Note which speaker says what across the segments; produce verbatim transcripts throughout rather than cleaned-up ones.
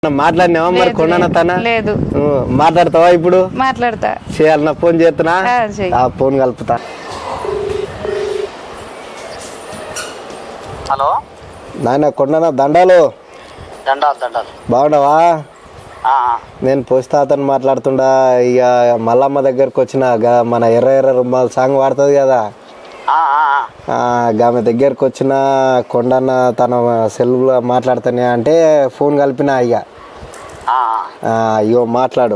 Speaker 1: మాట్లాడినావా మరి కొండన తన
Speaker 2: లేదు
Speaker 1: మాట్లాడతావా ఇప్పుడు
Speaker 2: మాట్లాడతా
Speaker 1: చేయాలన్నా ఫోన్ చేస్తున్నా ఆ ఫోన్ కలుపుతా.
Speaker 3: హలో
Speaker 1: నాయన కొండన దండాలు
Speaker 3: దండాలు దండాలు
Speaker 1: బాగున్నావా?
Speaker 3: ఆ,
Speaker 1: నేను పోస్తాతను మాట్లాడుతుండా. ఇక మల్లమ్మ దగ్గరకు వచ్చిన గా- మన ఎర్ర ఎర్ర రుమాల సాంగ్ వాడుతుంది కదా,
Speaker 3: ఆ, ఆ, ఆ.
Speaker 1: ఆ, ఆమె దగ్గరకు వచ్చిన కొండన్న తన సెల్లులో మాట్లాడుతానే అంటే ఫోన్ కలిపిన. ఇక
Speaker 3: ఆ,
Speaker 1: ఆ, అయ్యో మాట్లాడు.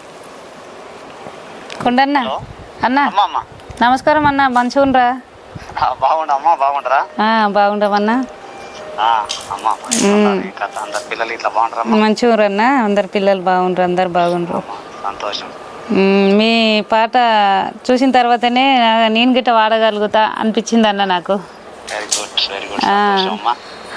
Speaker 2: కొండన్న అన్న
Speaker 3: అమ్మా అమ్మా
Speaker 2: నమస్కారం అన్న, మంచిగా ఉండరా?
Speaker 3: ఆ, బాగుండు అమ్మా బాగుండరా?
Speaker 2: బాగుండమన్నా.
Speaker 3: ఆ, అమ్మా కథ అందరు పిల్లలు ఇట్లా బాగుంటారమ్మా?
Speaker 2: మంచిగా ఉండరన్న, అందరు పిల్లలు బాగుండ్రు, అందరు బాగుండ్రు.
Speaker 3: అమ్మా సంతోషం.
Speaker 2: మ్మ్, మీ పాట చూసిన తర్వాతనే నా- నేను గిట్ట వాడగలుగుతా అనిపించింది అన్న నాకు.
Speaker 3: వెరీ గుడ్ వెరీ గుడ్ సంతోషం అమ్మా.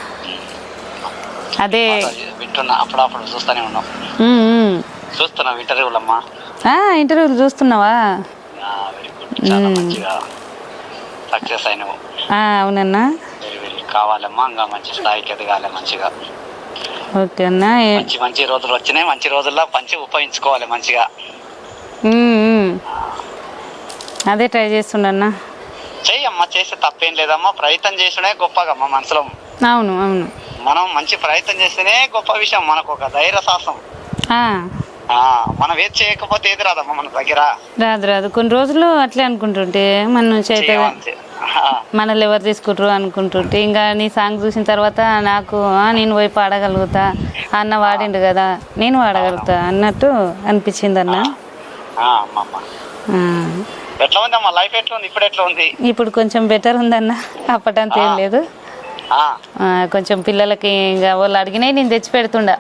Speaker 2: అదే
Speaker 3: వింటున్నా, అప్పుడప్పుడు చూస్తూనే ఉన్నాం,
Speaker 2: మ్మ్, మ్మ్.
Speaker 3: చూస్తున్నా ఇంటర్వ్యూలమ్మా.
Speaker 2: ఆ, ఇంటర్వ్యూలు చూస్తున్నావా?
Speaker 3: వెరీ గుడ్, చాలా మంచిగా సక్సెస్ అయినావు.
Speaker 2: ఆ, అవునన్నా.
Speaker 3: వెరీ వెరీ కావాలమ్మా, ఇంకా మంచి స్థాయికి ఎదగాలి మంచిగా.
Speaker 2: ఓకే అన్న. ఏ-
Speaker 3: మంచి మంచి రోజులు వచ్చినాయి, మంచి రోజుల్లో మంచి ఉపయోగించుకోవాలి మంచిగా.
Speaker 2: మ్మ్, మ్మ్. అదే ట్రై చేస్తుండన్నా.
Speaker 3: చెయ్యమ్మా, చేస్తే తప్పేం లేదమ్మా. ప్రయత్నం చేసుడే గొప్పగమ్మా మనసులో.
Speaker 2: అవును అవును.
Speaker 3: మనం మంచి ప్రయత్నం చేస్తేనే గొప్ప విషయం. మనకు ఒక ధైర్య సాహసం.
Speaker 2: ఆ,
Speaker 3: ఆ, మనం ఏది చేయకపోతే ఏది రాదమ్మా మన దగ్గర.
Speaker 2: రాదు రాదు. కొన్ని రోజులు అట్లే అనుకుంటుంటే మన చేత
Speaker 3: చేయమంతే. ఆ,
Speaker 2: మనల్ని ఎవరు తీసుకుంటారు అనుకుంటుంటే, ఇంకా నీ సాంగ్ చూసిన తర్వాత నాకు ఆ, నేను పోయి పాడగలుగుతా, అన్న వాడిండు కదా నేను వాడగలుగుతా అన్నట్టు అనిపించింది అన్న.
Speaker 3: ఆ, అమ్మమ్మ
Speaker 2: ఆ,
Speaker 3: ఎట్లా ఉంది అమ్మా లైఫ్? ఎట్లా ఉంది ఇప్పుడు? ఎట్లా ఉంది
Speaker 2: ఇప్పుడు కొంచెం బెటర్ ఉందన్న, అప్పటంత ఏం లేదు.
Speaker 3: ఆ,
Speaker 2: ఆ, కొంచెం పిల్లలకి ఇంకా వాళ్ళు అడిగినాయి నేను తెచ్చి పెడుతుండా.